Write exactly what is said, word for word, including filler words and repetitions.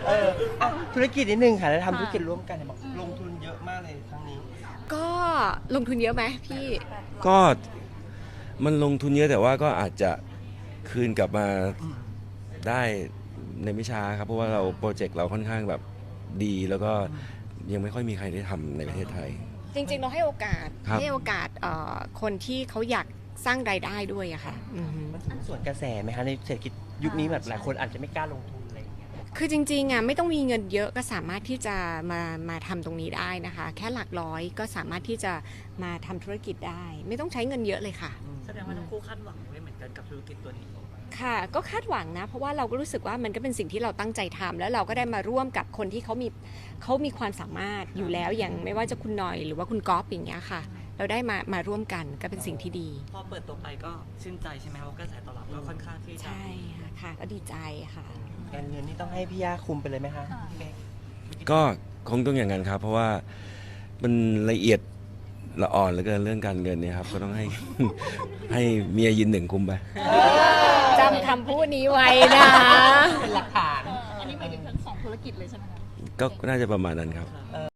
เอออ่ะธุรกิจนิดนึงค่ะแล้วทำธุรกิจร่วมกันเนี่ยบอกลงทุนเยอะมากเลยครั้งนี้ก็ลงทุนเยอะไหมพี่ก็มันลงทุนเยอะแต่ว่าก็อาจจะคืนกลับมาได้ในไม่ช้าครับเพราะว่าเราโปรเจกต์เราค่อนข้างแบบดีแล้วก็ยังไม่ค่อยมีใครได้ทำในประเทศไทยจริงๆเราให้โอกาสให้โอกาสคนที่เขาอยากสร้างรายได้ด้วยอะค่ะมันถึงส่วนกระแสไหมคะในเศรษฐกิจยุคนี้แบบหลายคนอาจจะไม่กล้าลงทุนอะไรอย่างเงี้ยคือจริงๆอะไม่ต้องมีเงินเยอะก็สามารถที่จะมามาทำตรงนี้ได้นะคะแค่หลักร้อยก็สามารถที่จะมาทำธุรกิจได้ไม่ต้องใช้เงินเยอะเลยค่ะแสดงว่าทั้งคู่คาดหวังไว้เหมือนกันกับธุรกิจตัวนี้ค่ะก็คาดหวังนะเพราะว่าเราก็รู้สึกว่ามันก็เป็นสิ่งที่เราตั้งใจทำแล้วเราก็ได้มาร่วมกับคนที่เขามีเขามีความสามารถอยู่แล้วอย่างไม่ว่าจะคุณหน่อยหรือว่าคุณก๊อฟอย่างเงี้ยค่ะเราได้มามาร่วมกันก็เป็นสิ่งที่ดีพอเปิดตัวไปก็ชื่นใจใช่ไหมครับว่ากระแสตอบรับก็ค่อนข้างที่จะใช่ค่ะก็ดีใจค่ะการเงินนี่ต้องให้พี่ย่าคุมไปเลยไหมคะก็คงต้องอย่างนั้นครับเพราะว่ามันละเอียดละอ่อนเหลือเกินเรื่องการเงินเนี่ยครับก็ต้องให้ ให้เมียยืนหนึ่งคุมไปจำคำพูดนี้ไว้นะเป็นหลักฐานอันนี้หมายถึงทั้งสองธุรกิจเลยใช่ไหมคะก็น่าจะประมาณนั้นครับ